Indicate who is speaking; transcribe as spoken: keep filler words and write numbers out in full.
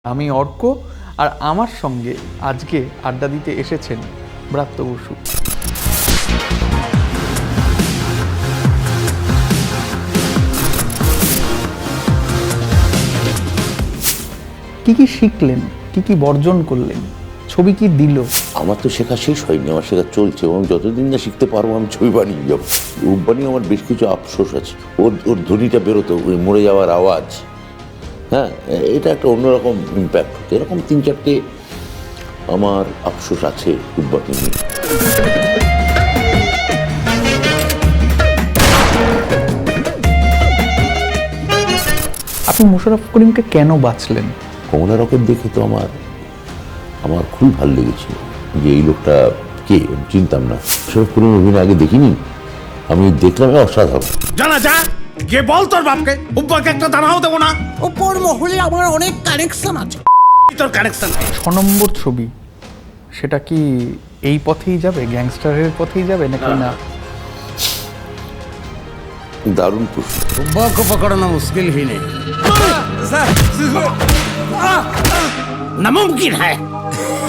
Speaker 1: আমি অর্ক আর আমার সঙ্গে আজকে আড্ডা দিতে এসেছেন ব্রাত্য বসু। কি কি শিখলেন, কি কি বর্জন করলেন, ছবি কি দিল?
Speaker 2: আমার তো শেখা শেষ হয়নি, আমার শেখা চলছে এবং যতদিন না শিখতে পারবো আমি ছবি বানিয়ে যাবো। রূপ বানিয়ে আমার বেশ কিছু আফসোস আছে। ওর ওর ধ্বনিটা বেরোতো, ওই মরে যাওয়ার আওয়াজ, হ্যাঁ, এটা একটা অন্যরকম ইম্প্যাক্ট হতো। এরকম তিন চারটে আমার আফসোস আছে রূপবাকে নিয়ে।
Speaker 1: আপনি মোশাররফ করিমকে কেন বাছলেন?
Speaker 2: কমলা রকেট দেখে তো আমার আমার খুবই ভালো লেগেছিল যে এই লোকটা কে, আমি চিনতাম না। মোশাররফ করিম অভিনয় আগে দেখিনি, আমি দেখলাম অসাধারণ।
Speaker 3: জানা যা গিয়ে বল তোর বাপকে উপরকে একটা দানাও দেবো না।
Speaker 4: উপর মহলে আমার অনেক কানেকশন আছে।
Speaker 3: তোর কানেকশন
Speaker 1: ছ নম্বর ছবি, সেটা কি এই পথেই যাবে, গ্যাংস্টারের পথেই যাবে নাকি না?
Speaker 2: দারুণ প্রশ্ন।
Speaker 3: उपा को पकड़ना मुश्किल ही नहीं, नामुमकिन है।